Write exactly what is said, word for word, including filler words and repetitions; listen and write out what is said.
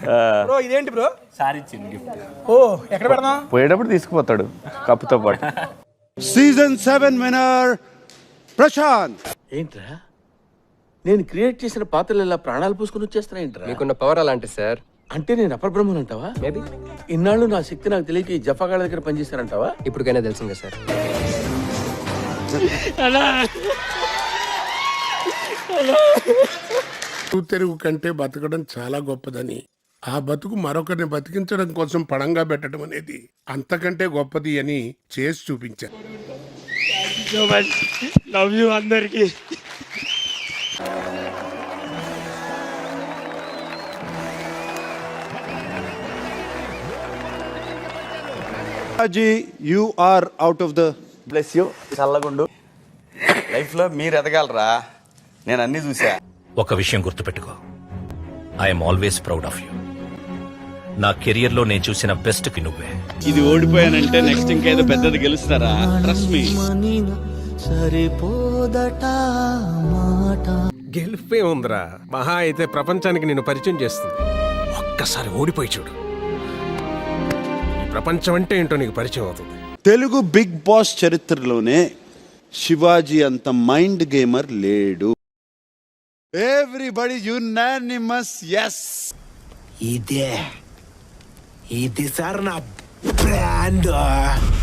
Bro ఇదేంటి bro? Sari ఇచ్చింది gift. ఓ ఎక్కడ పెడదాం? పోయేటప్పుడు తీసుకుపోతాడు కప్పుతో పాటు. Season seven winner Prashanth. ఏంట్రా నేను క్రియేట్ చేసిన పాత్రలు ఇలా ప్రాణాలు పూసుకుని వచ్చేస్తున్నా ఏంట్రా? మీకున్న పవర్ అలాంటి సార్. అంటే నేను అపరబ్రహ్మన్ అంటావా? మేబీ. ఇన్నాళ్ళు నా శక్తి నాకు తెలియక ఈ జఫాగాళ్ళ దగ్గర పనిచేస్తానంటావా? ఇప్పటికైనా తెలిసిందే సార్. తెరుగు కంటే బతకడం చాలా గొప్పదని, ఆ బతుకు మరొకరిని బతికించడం కోసం పణంగా పెట్టడం అనేది అంతకంటే గొప్పది అని చేసి చూపించారు. లవ్ యూ అందరికి. You are out of the bless you. చల్లగుండు. లైఫ్లో మీరు ఎదగలరా, నేను అన్ని చూసా. ఒక విషయం గుర్తుపెట్టుకో, I'm always proud of you. నా కెరియర్ లో నేను చూసిన బెస్ట్ కి నువ్వే. ఇది ఓడిపోయానంటే నెక్స్ట్ ఇంకేదో పెద్దది గెలుస్తారా? Trust me. గెలిపే ఉందిరా, మహా అయితే ప్రపంచానికి నేను పరిచయం చేస్తుంది. ఒక్కసారి ఓడిపోయి చూడు, ఈ ప్రపంచం అంటే ఏంటో నీకు పరిచయం అవుతుంది. తెలుగు బిగ్ బాస్ చరిత్రలోనే శివాజీ అంత మైండ్ గేమర్ లేడు. Everybody unanimous yes. ఇదే ఇది సార్ నా బ్రాండ్.